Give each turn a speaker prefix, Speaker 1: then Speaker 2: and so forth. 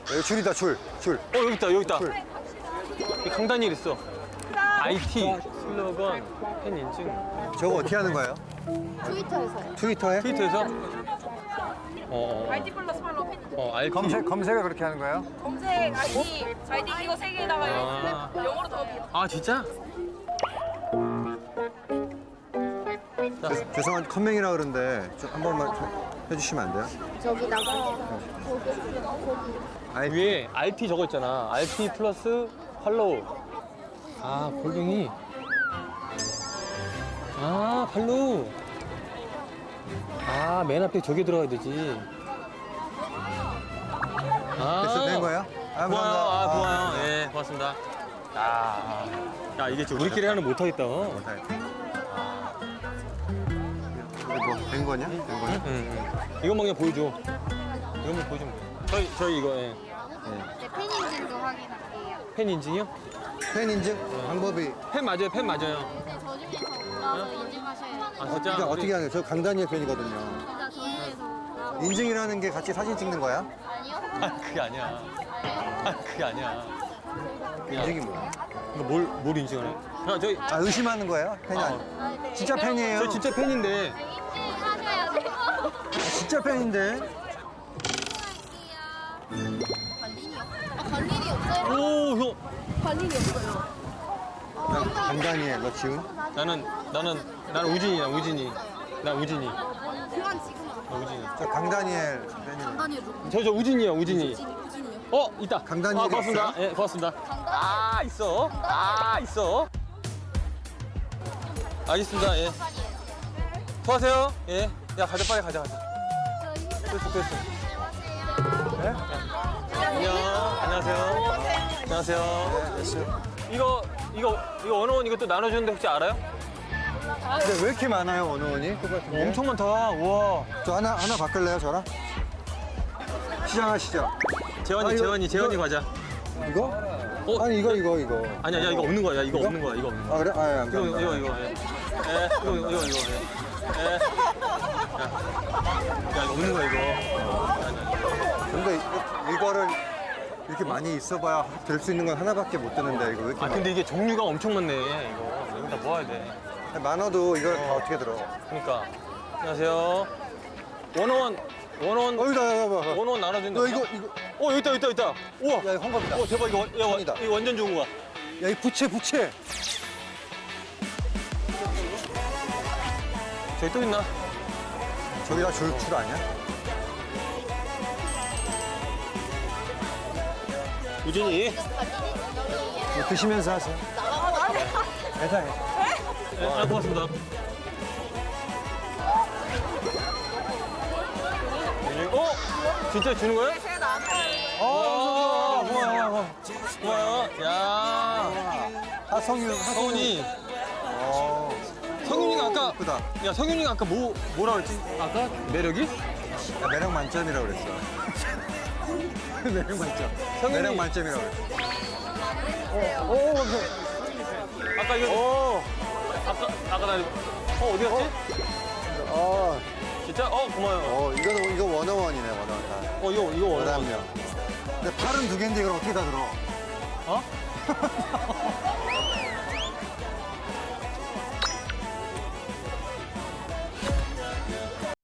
Speaker 1: 여기 줄이다, 줄.
Speaker 2: 여기 있다, 여기 있다.
Speaker 1: 줄.
Speaker 2: 이 강단일 있어. IT, 슬로건, 팬 인증.
Speaker 1: 저거 어떻게 하는 거예요?
Speaker 3: 트위터에서요.
Speaker 1: 트위터에?
Speaker 2: 트위터에서?
Speaker 4: ID 플러스 팔로우 팬
Speaker 2: RT.
Speaker 1: 검색을 그렇게 하는 거예요?
Speaker 4: 검색 ID 이거 세 개에다가
Speaker 2: 아.
Speaker 4: 영어로 더
Speaker 2: 아, 진짜?
Speaker 1: 죄송한데 컴맹이라 그러는데 좀 한 번만 좀 해주시면 안 돼요?
Speaker 3: 저기다가 거기
Speaker 2: 위에 RT 저거 있잖아. RT 플러스 팔로우. 아, 골뱅이. 아, 팔로우. 아, 맨 앞에 저기 들어가야 되지. 아,
Speaker 1: 됐어, 된 거예요? 아,
Speaker 2: 고마워요.
Speaker 1: 감사합니다.
Speaker 2: 아, 고마워요. 예, 고맙습니다. 야, 이게 지금 우리끼리 하는 못하겠다.
Speaker 1: 된 거냐? 된 거냐?
Speaker 2: 이것만 그냥 보여줘. 이것만 보여주면 돼. 저희 이거, 예.
Speaker 3: 팬 인증도 확인할게요.
Speaker 2: 팬 인증이요?
Speaker 1: 팬 인증 방법이
Speaker 2: 팬 맞아요, 팬 맞아요.
Speaker 3: 근데 저 중에서 올라서 인증하셔야 돼요.
Speaker 2: 아, 진짜?
Speaker 1: 그러니까 어떻게 하는 거예요? 저 강다니엘 팬이거든요.
Speaker 3: 진짜 저 중에서
Speaker 1: 인증이라는 게 같이 사진 찍는 거야?
Speaker 3: 아니요?
Speaker 2: 아, 그게 아니야. 아, 그게 아니야.
Speaker 1: 인증이 뭐야?
Speaker 2: 이거 뭘 인증하네? 야, 저희,
Speaker 1: 아, 의심하는 거예요? 팬이 아니
Speaker 3: 아, 네.
Speaker 1: 진짜 팬이에요?
Speaker 2: 저 진짜 팬인데.
Speaker 3: 인증하셔야 돼요.
Speaker 1: 진짜 팬인데?
Speaker 3: 관린이요? 관린이 없어요?
Speaker 2: 오, 형.
Speaker 3: 관린이 없어요.
Speaker 1: 강다니엘, 너 지훈?
Speaker 2: 나는 우진이야, 우진이. 나 우진이.
Speaker 3: 그만 지금
Speaker 2: 나 우진이.
Speaker 1: 저 강다니엘 팬이에요.
Speaker 3: 다니엘 누구?
Speaker 2: 저 우진이야, 우진이.
Speaker 3: 우진이요?
Speaker 2: 있다.
Speaker 1: 강다니엘이
Speaker 2: 고맙습니다.
Speaker 1: 있어요?
Speaker 2: 예, 고맙습니다. 아, 있어. 아, 있어. 알겠습니다, 예. 수고하세요. 예. 야, 가자, 빨리 가자. 됐어.
Speaker 1: 네?
Speaker 2: 안녕. 안녕하세요. 안녕하세요. 이거 원어원 이것도 나눠주는데 혹시 알아요?
Speaker 1: 근데 왜 이렇게 많아요, 원어원이? 똑같은 게?
Speaker 2: 엄청 많다. 우와.
Speaker 1: 저 하나 바꿀래요, 저랑? 시작하시죠.
Speaker 2: 재원이 과자.
Speaker 1: 이거?
Speaker 2: 어?
Speaker 1: 아니, 이거.
Speaker 2: 아니야, 이거 없는 거야. 이거
Speaker 1: 이거?
Speaker 2: 없는 거야. 이거 없는 거야.
Speaker 1: 아, 그래? 아, 예,
Speaker 2: 이거.
Speaker 1: 감사합니다.
Speaker 2: 이거. 예. 야, 이거 없는 거야, 이거.
Speaker 1: 근데 이거를 이렇게 많이 있어봐야 될 수 있는 건 하나밖에 못 드는데, 이거 왜 이렇게
Speaker 2: 아, 근데 이게 종류가 엄청 많네, 이거. 여기다 모아야 돼.
Speaker 1: 많아도 이걸 다 어떻게 들어?
Speaker 2: 그러니까. 안녕하세요. 원어원.
Speaker 1: 여기다.
Speaker 2: 원어원 나눠준다.
Speaker 1: 너 이거.
Speaker 2: 여기 있다. 우와.
Speaker 1: 야, 이거 황겁이다.
Speaker 2: 대박,
Speaker 1: 황이다.
Speaker 2: 이거 완전 좋은 거야.
Speaker 1: 야, 이 부채.
Speaker 2: 저기 또 있나?
Speaker 1: 저기다 줄 아니야?
Speaker 2: 우진이.
Speaker 1: 이거 드시면서 하세요. 회사에.
Speaker 2: 네, 고맙습니다. 진짜 주는 거야? 고마워요. 야, 성훈이. 성윤이가 아까,
Speaker 1: 예쁘다.
Speaker 2: 야, 성윤이가 아까 뭐라 그랬지? 아까? 매력이?
Speaker 1: 야, 매력 만점이라고 그랬어. 매력 만점.
Speaker 2: 성윤이.
Speaker 1: 매력 만점이라고 그랬어.
Speaker 2: 아까 이거. 아까 나, 어디 갔지? 진짜? 고마워요.
Speaker 1: 이거 원어원이네, 원어원 다.
Speaker 2: 이거 원하는
Speaker 1: 11명. 근데 팔은 두 개인데 이걸 어떻게 다 들어?
Speaker 2: 어?